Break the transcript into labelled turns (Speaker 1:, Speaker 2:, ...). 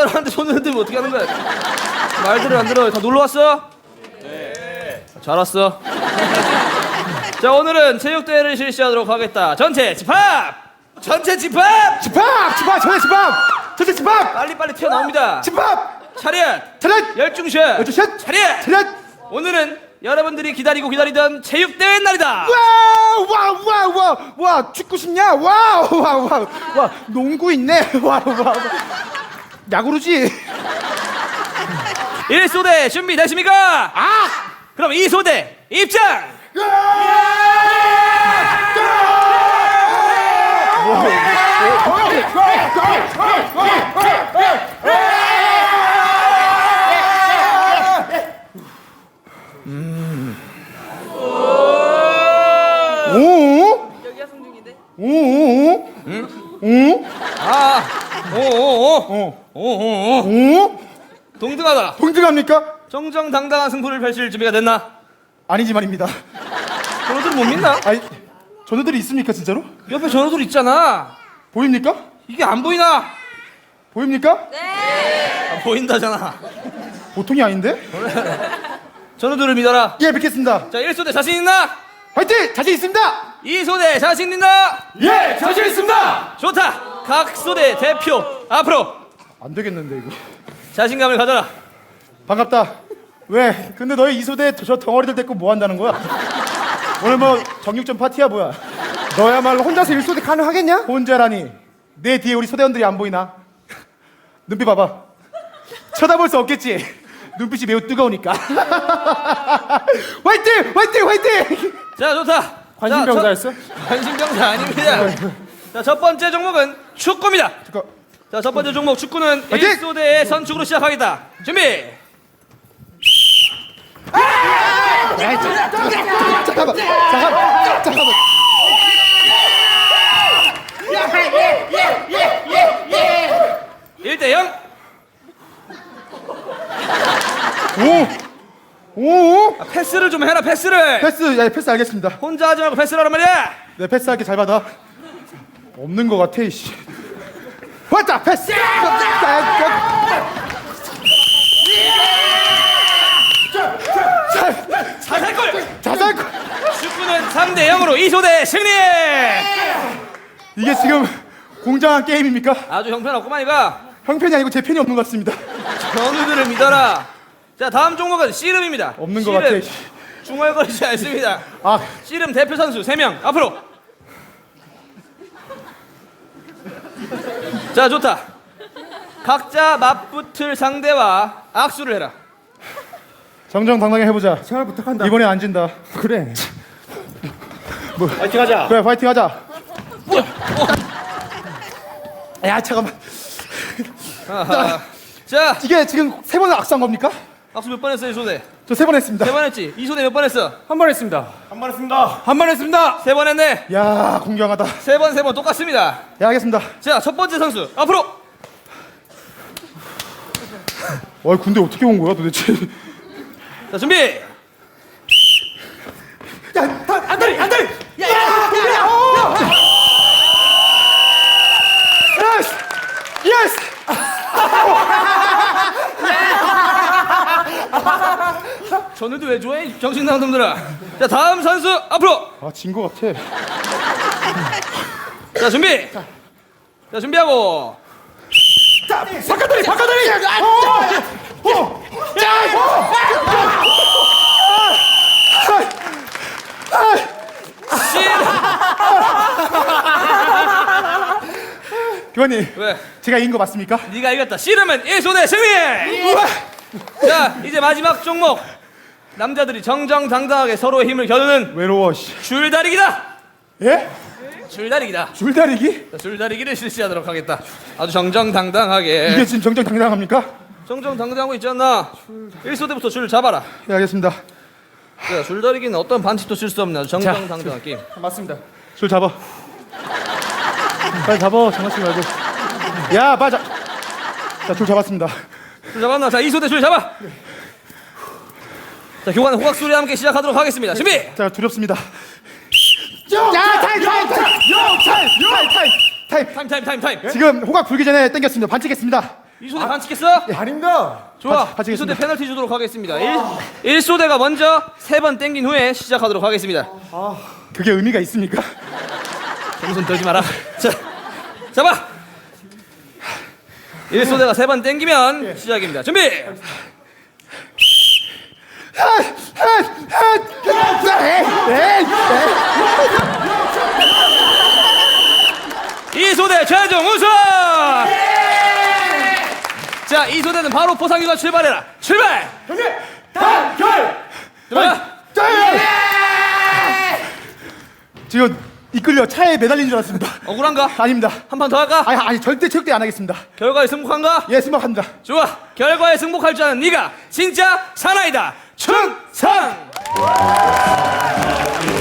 Speaker 1: 사람한테 손을 흔들면 어떻게 하는 거야? 말들을 안 들어. 다 놀러 왔어? 네. 잘 왔어. 자, 오늘은 체육대회를 실시하도록 하겠다. 전체 집합! 전체 집합!
Speaker 2: 집합! 전체 집합! 전체 집합!
Speaker 1: 빨리빨리 튀어나옵니다.
Speaker 2: 집합!
Speaker 1: 차렷!
Speaker 2: 차렷!
Speaker 1: 열중샷!
Speaker 2: 열중샷!
Speaker 1: 차렷!
Speaker 2: 차렷!
Speaker 1: 오늘은 여러분들이 기다리던 체육대회 날이다.
Speaker 2: 와 축구 싶냐? 와 농구 있네. 와 야구르지.
Speaker 1: 1소대 준비되십니까? 그럼 2소대 입장!
Speaker 3: 여기가 성중인데?
Speaker 1: 동등하다.
Speaker 2: 동등합니까?
Speaker 1: 정정당당한 승부를 펼칠 준비가 됐나?
Speaker 2: 아니지만입니다.
Speaker 1: 전우들 못 믿나?
Speaker 2: 아니 전우들이 있습니까 진짜로?
Speaker 1: 옆에 전우들 있잖아.
Speaker 2: 보입니까?
Speaker 1: 이게 안 보이나?
Speaker 2: 보입니까?
Speaker 1: 안 보인다잖아.
Speaker 2: 보통이 아닌데?
Speaker 1: 전우들을 믿어라.
Speaker 2: 예 믿겠습니다.
Speaker 1: 자, 1소대 자신 있나?
Speaker 2: 화이팅! 자신 있습니다.
Speaker 1: 2소대 자신 있나?
Speaker 2: 예 자신 있습니다.
Speaker 1: 좋다. 각 소대 대표 앞으로
Speaker 2: 안 되겠는데 이거.
Speaker 1: 자신감을 가져라.
Speaker 2: 반갑다. 왜? 근데 너희 이소대 저 덩어리들 데리고 뭐 한다는 거야? 오늘 뭐 정육점 파티야 뭐야? 너야말로 혼자서 일소대 가능하겠냐? 혼자라니. 내 뒤에 우리 소대원들이 안 보이나? 눈빛 봐봐. 쳐다볼 수 없겠지. 눈빛이 매우 뜨거우니까. 화이팅! 화이팅! 화이팅!
Speaker 1: 자, 좋다.
Speaker 2: 관심병사였어?
Speaker 1: 관심병사 아닙니다. 자, 첫 번째 종목은 축구입니다. 자, 첫 번째 종목 축구는
Speaker 2: 화이팅!
Speaker 1: 1소대의 선축으로 시작하겠다. 준비.
Speaker 2: 잠깐만.
Speaker 1: 1대0.
Speaker 2: 오!
Speaker 1: 패스를 좀 해라. 패스를.
Speaker 2: 패스 알겠습니다.
Speaker 1: 혼자 하지 말고 패스를 하란 말이야.
Speaker 2: 네, 패스할게. 잘 받아. 없는 거 같아, 이씨. 왔다! 패스! 자살골!
Speaker 1: 축구는 3대0으로 2소대 승리.
Speaker 2: 이게 지금 공정한 게임입니까?
Speaker 1: 아주 형편없구만 이거.
Speaker 2: 형편이 아니고 제 편이 없는 것 같습니다.
Speaker 1: 전우들을 믿어라. 자, 다음 종목은 씨름입니다.
Speaker 2: 없는 것 같아.
Speaker 1: 중얼거리지 않습니다. 씨름 대표 선수 3명 앞으로. 자, 좋다. 각자 맞붙을 상대와 악수를 해라.
Speaker 2: 정정당당히 해보자.
Speaker 4: 제발 부탁한다.
Speaker 2: 이번에 안 진다.
Speaker 4: 그래.
Speaker 1: 파이팅 하자.
Speaker 2: 그래, 파이팅 하자. 야, 잠깐만.
Speaker 1: 자,
Speaker 2: 이게 지금 3번 악수한 겁니까?
Speaker 1: 악수 몇 번 했어, 1소대?
Speaker 2: 저 3번 했습니다.
Speaker 1: 3번 했지? 2소대 몇 번 했어?
Speaker 4: 한 번 했습니다.
Speaker 2: 한 번 했습니다.
Speaker 4: 한 번 했습니다.
Speaker 1: 3번 했네.
Speaker 2: 야, 공경하다.
Speaker 1: 3번 똑같습니다.
Speaker 2: 야, 알겠습니다.
Speaker 1: 자, 첫 번째 선수 앞으로.
Speaker 2: 군대 어떻게 온 거야, 도대체?
Speaker 1: 자, 준비.
Speaker 2: 안다리! 예스!
Speaker 1: 전우도 왜 좋아해? 정신나간 놈들아. 자, 다음 선수 앞으로.
Speaker 2: 진 거 같아.
Speaker 1: 자, 준비. 자, 준비하고.
Speaker 2: 바깥다리! 교관님,
Speaker 1: 왜?
Speaker 2: 제가 이긴 거 맞습니까?
Speaker 1: 네가 이겼다. 씨름은 1소대 승리. 자, 이제 마지막 종목. 남자들이 정정당당하게 서로의 힘을 겨누는
Speaker 2: 외로워, 씨.
Speaker 1: 줄다리기다.
Speaker 2: 예?
Speaker 1: 줄다리기다.
Speaker 2: 줄다리기?
Speaker 1: 자, 줄다리기를 실시하도록 하겠다. 아주 정정당당하게.
Speaker 2: 이게 지금 정정당당합니까?
Speaker 1: 정정당당하고 있지 않나? 1소대부터 줄 잡아라.
Speaker 2: 예, 알겠습니다.
Speaker 1: 자, 줄다리기는 어떤 반칙도 쓸 수 없는 아주 정정당당한 게임.
Speaker 4: 맞습니다.
Speaker 2: 줄 잡아. 빨리 잡아, 장난치지 말고. 야, 맞아. 자, 줄 잡았습니다.
Speaker 1: 줄 잡았나? 자, 2소대 줄 잡아. 자, 교관은 호각 소리와 함께 시작하도록 하겠습니다. 준비.
Speaker 2: 자, 두렵습니다.
Speaker 1: 타임.
Speaker 2: 지금 호각 불기 전에 땡겼습니다. 반칙했습니다.
Speaker 1: 이소대 반칙했어?
Speaker 2: 아닙니다.
Speaker 1: 좋아.
Speaker 2: 반칙했습니다.
Speaker 1: 이소대 페널티 주도록 하겠습니다. 1소대가 먼저 3번 땡긴 후에 시작하도록 하겠습니다.
Speaker 2: 그게 의미가 있습니까?
Speaker 1: 손 떨지 마라. 자, 잡아. 1소대가 3번 땡기면 시작입니다. 준비. 이소대 최종 우승. 자, 이소대는 바로 포상기가 출발해라. 출발.
Speaker 2: 단결.
Speaker 1: 들어가.
Speaker 2: 지금 이끌려 차에 매달린 줄 알았습니다.
Speaker 1: 억울한가?
Speaker 2: 아닙니다.
Speaker 1: 한 판 더 할까?
Speaker 2: 아니 절대 체육대회 안 하겠습니다.
Speaker 1: 결과에 승복한가?
Speaker 2: 예, 승복합니다.
Speaker 1: 좋아. 결과에 승복할 줄 아는 네가 진짜 사나이다. 충성.